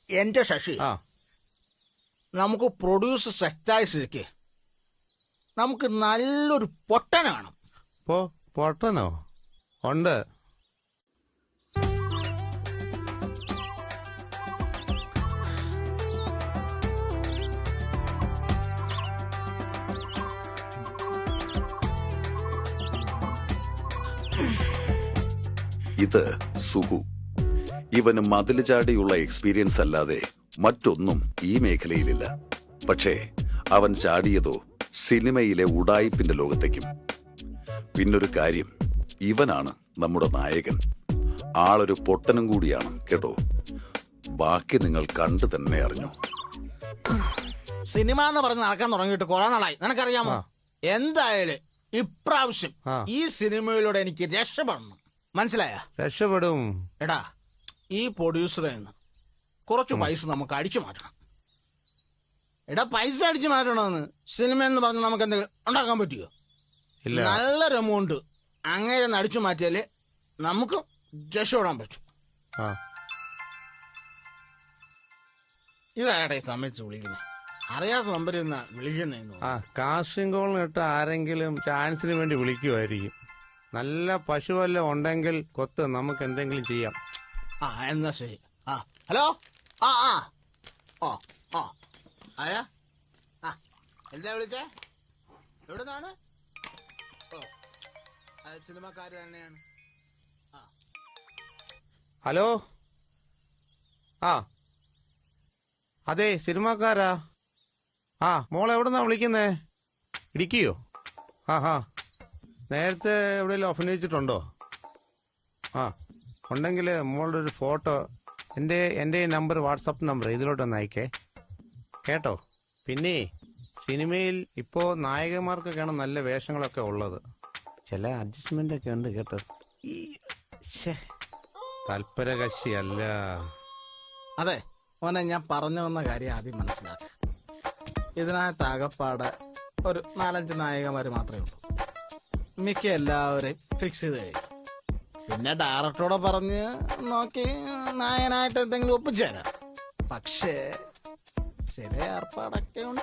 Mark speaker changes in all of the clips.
Speaker 1: എന്റെ ശശി, നമുക്ക് പ്രൊഡ്യൂസ് സെറ്റായി സ്ഥിതിക്ക് നമുക്ക് നല്ലൊരു പൊട്ടനെ വേണം.
Speaker 2: പൊട്ടനോ? ഉണ്ട്.
Speaker 3: ഇത് സുഹു. ഇവന് മതില് ചാടിയുള്ള എക്സ്പീരിയൻസ് അല്ലാതെ മറ്റൊന്നും ഈ മേഖലയിലില്ല. പക്ഷേ അവൻ ചാടിയതോ സിനിമയിലെ ഉഡായിപ്പിന്റെ ലോകത്തേക്കും. പിന്നൊരു കാര്യം, ഇവനാണ് നമ്മുടെ നായകൻ. ആളൊരു പൊട്ടനും കൂടിയാണ് കേട്ടോ. ബാക്കി നിങ്ങൾ കണ്ടു തന്നെ അറിഞ്ഞു.
Speaker 1: സിനിമ എന്ന് പറഞ്ഞ് നടക്കാൻ തുടങ്ങിയിട്ട് കുറെ നാളായി, നിനക്കറിയാമോ? എന്തായാലും ഇപ്രാവശ്യം ഈ സിനിമയിലൂടെ എനിക്ക് രക്ഷപ്പെടണം. മനസ്സിലായ?
Speaker 2: രക്ഷപ്പെടും.
Speaker 1: എടാ, ഈ പ്രൊഡ്യൂസറിൽ നിന്ന് കുറച്ച് പൈസ നമുക്ക് അടിച്ചു മാറ്റണം. എടാ, പൈസ അടിച്ചു മാറ്റണമെന്ന് സിനിമ എന്ന് പറഞ്ഞ് നമുക്ക് എന്തെങ്കിലും ഉണ്ടാക്കാൻ പറ്റുമോ? നല്ലൊരു എമൗണ്ട് അങ്ങനെ അടിച്ചു മാറ്റിയാലേ നമുക്ക് രക്ഷപ്പെടാൻ പറ്റും. ഇതാകട്ടെ ഈ സമയത്ത് വിളിക്കുന്നത്, അറിയാത്ത നമ്പറിൽ നിന്നാ വിളിക്കുന്നതെന്ന്.
Speaker 2: കാസ്റ്റിംഗ് കോളിനിട്ട് ആരെങ്കിലും ചാൻസിന് വേണ്ടി വിളിക്കുമായിരിക്കും. നല്ല പശുവല്ല ഉണ്ടെങ്കിൽ കൊത്ത് നമുക്ക് എന്തെങ്കിലും ചെയ്യാം.
Speaker 1: എന്നാ ശരി. ഹലോ. ആരാ? എന്താ വിളിച്ചേ? എവിടെ നിന്നാണ്? സിനിമക്കാര് തന്നെയാണ്.
Speaker 2: ഹലോ. അതെ, സിനിമക്കാരാ. മോളെ എവിടെന്നാ വിളിക്കുന്നേ? ഇടുക്കിയോ? നേരത്തെ എവിടെയെങ്കിലും അഭിനയിച്ചിട്ടുണ്ടോ? ഉണ്ടെങ്കിൽ മോളുടെ ഒരു ഫോട്ടോ എൻ്റെ നമ്പർ, വാട്സപ്പ് നമ്പർ ഇതിലോട്ടൊന്ന് അയക്കേ കേട്ടോ. പിന്നെ സിനിമയിൽ ഇപ്പോൾ നായകന്മാർക്കൊക്കെയാണ് നല്ല വേഷങ്ങളൊക്കെ ഉള്ളത്. ചില അഡ്ജസ്റ്റ്മെന്റ് ഒക്കെ ഉണ്ട് കേട്ടോ. തൽപര കക്ഷിയല്ല.
Speaker 1: അതെ മോനെ, ഞാൻ പറഞ്ഞു വന്ന കാര്യം ആദ്യം മനസ്സിലാക്കുക. ഇതിനകത്ത് ആകപ്പാടെ ഒരു 4-5 നായകന്മാര് മാത്രമേ ഉള്ളൂ. മിക്ക എല്ലാവരെയും ഫിക്സ് ചെയ്ത് കഴിഞ്ഞു. പിന്നെ ഡയറക്ടറോടെ പറഞ്ഞ് നോക്കി നായകനായിട്ട് എന്തെങ്കിലും ഒപ്പിച്ചേരാം. പക്ഷേ ചില ഏർപ്പാടൊക്കെ ഉണ്ട്.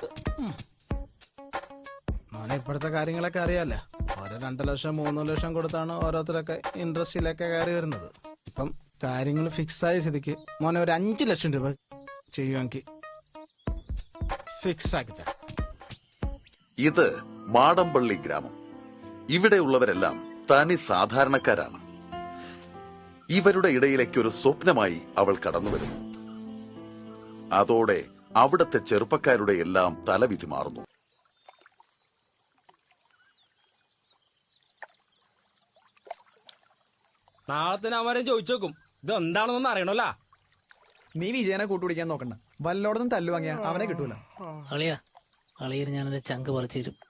Speaker 1: മോനെ, ഇപ്പോഴത്തെ കാര്യങ്ങളൊക്കെ അറിയാലോ. ഓരോ 2 ലക്ഷം 3 ലക്ഷം കൊടുത്താണ് ഓരോരുത്തരൊക്കെ ഇൻഡസ്ട്രിയിലൊക്കെ കയറി വരുന്നത്. ഇപ്പം കാര്യങ്ങൾ ഫിക്സായ സ്ഥിതിക്ക് മോനെ ഒരു 5 ലക്ഷം രൂപ ചെയ്യുമെങ്കിൽ ഫിക്സ് ആക്കി തരാം.
Speaker 3: ഇത് മാടമ്പള്ളി ഗ്രാമം. ഇവിടെയുള്ളവരെല്ലാം തനി സാധാരണക്കാരാണ്. ഇവരുടെ ഇടയിലേക്ക് ഒരു സ്വപ്നമായി അവൾ കടന്നു വരുന്നു. അതോടെ അവിടത്തെ ചെറുപ്പക്കാരുടെ എല്ലാം തലവിധി മാറുന്നു.
Speaker 4: നാളത്തെ അവരെ ചോദിച്ചു നോക്കും, ഇത് എന്താണെന്നൊന്നും അറിയണല്ല.
Speaker 5: നീ വിജയനെ കൂട്ടുപിടിക്കാൻ നോക്കണ്ട. വല്ലോടൊന്നും തല്ലു വാങ്ങിയ അവനെ കിട്ടൂല.
Speaker 6: അളിയർ ഞാനെന്റെ ചങ്ക് പറിച്ചു തരും.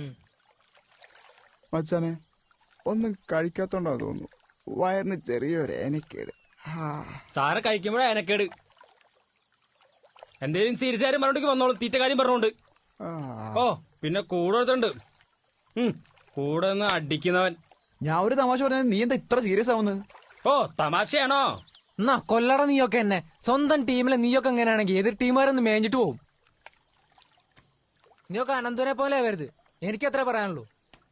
Speaker 7: മച്ചാനെ, ഒന്നും കഴിക്കാത്തോണ്ടാ തോന്നുന്നു. വയറിന് ചെറിയൊരു ഏനക്കേട്.
Speaker 4: സാറെ കഴിക്കുമ്പോഴേ ഏനക്കേട്. എന്തേലും സീരിയസ് ആരും പറഞ്ഞോണ്ട് വന്നോളൂ, തീറ്റ കാര്യം പറഞ്ഞോണ്ട്. പിന്നെ കൂടെ എടുത്തുണ്ട്, കൂടെ നിന്ന് അടിക്കുന്നവൻ.
Speaker 5: ഞാൻ ഒരു തമാശ പറഞ്ഞത് നീ എന്താ ഇത്ര സീരിയസ് ആവുന്നത്?
Speaker 4: തമാശയാണോ?
Speaker 6: എന്നാ കൊല്ലട നീയൊക്കെ എന്നെ. സ്വന്തം ടീമിലെ നീയൊക്കെ എങ്ങനെയാണെങ്കിൽ എതിർ ടീമുകാരൊന്ന് മേഞ്ഞിട്ട് പോവും. നീയൊക്കെ അനന്തനെ പോലെ വരുത്. എനിക്കത്ര പറയാനുള്ളൂ.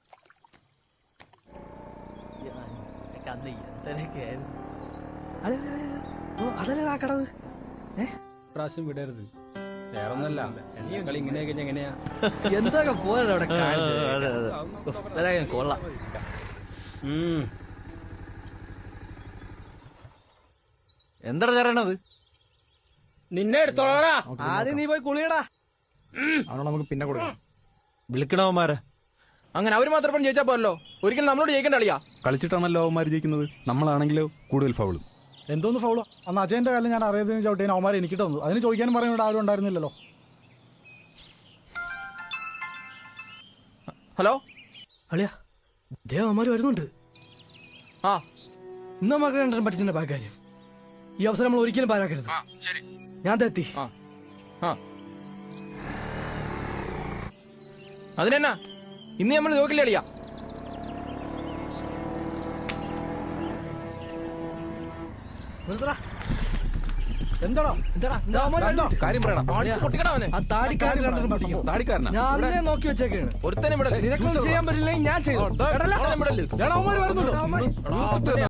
Speaker 4: പ്രാവശ്യം വിടരുത്. വേറൊന്നല്ല, കളി ഇങ്ങനെയൊക്കെ എങ്ങനെയാ
Speaker 6: എന്തൊക്കെ പോലെ കൊള്ളാം.
Speaker 5: എന്താ ചേരണത്?
Speaker 4: നിന്നെ എടുത്തോളാ.
Speaker 5: ആദ്യം നീ പോയി കുളിയടാ. അവനോട് നമുക്ക് പിന്നെ കൊടുക്കാം.
Speaker 8: വിളിക്കണവന്മാരെ.
Speaker 6: അങ്ങനെ അവര് മാത്രം ജയിച്ചാ പോരല്ലോ, ഒരിക്കലും നമ്മളോട് ജയിക്കേണ്ട കളിയാ.
Speaker 8: കളിച്ചിട്ടാണല്ലോ അവന്മാർ ജയിക്കുന്നത്. നമ്മളാണെങ്കിലോ കൂടുതൽ ഫൗളും.
Speaker 5: എന്തോന്ന് ഫൗളോ? അന്ന് അജയന്റെ കാലം ഞാൻ അറിയാതെ ചവിട്ടേന് അവന്മാരെ എനിക്ക് തന്നു. അതിന് ചോദിക്കാനും പറയാൻ ഇവിടെ ആരും ഉണ്ടായിരുന്നില്ലല്ലോ.
Speaker 6: ഹലോ
Speaker 5: അളിയാ, ദേവന്മാര് വരുന്നുണ്ട്. ഇന്ന് നമുക്ക് രണ്ടും പഠിച്ചതിന്റെ ബാക്കാര്യം. ഈ അവസരം നമ്മൾ ഒരിക്കലും പാഴാക്കരുത്. ഞാൻ തെത്തി.
Speaker 6: അതിനെന്നാ ഇന്ന് നമ്മൾ നോക്കില്ല കളിയാ.
Speaker 8: കാര്യം പറയണം.
Speaker 5: ആ താടിക്കാരൻ രണ്ടെണ്ണം പിടിക്കും.
Speaker 8: താടിക്കാരനാ
Speaker 5: ഞാൻ അന്നേ നോക്കി വെച്ചേക്കാണ്.
Speaker 8: ഒരുത്തനെ
Speaker 5: നിനക്കൊന്നും ചെയ്യാൻ പറ്റില്ലെങ്കിൽ ഞാൻ ചെയ്തു.
Speaker 8: വരുന്നുണ്ടോ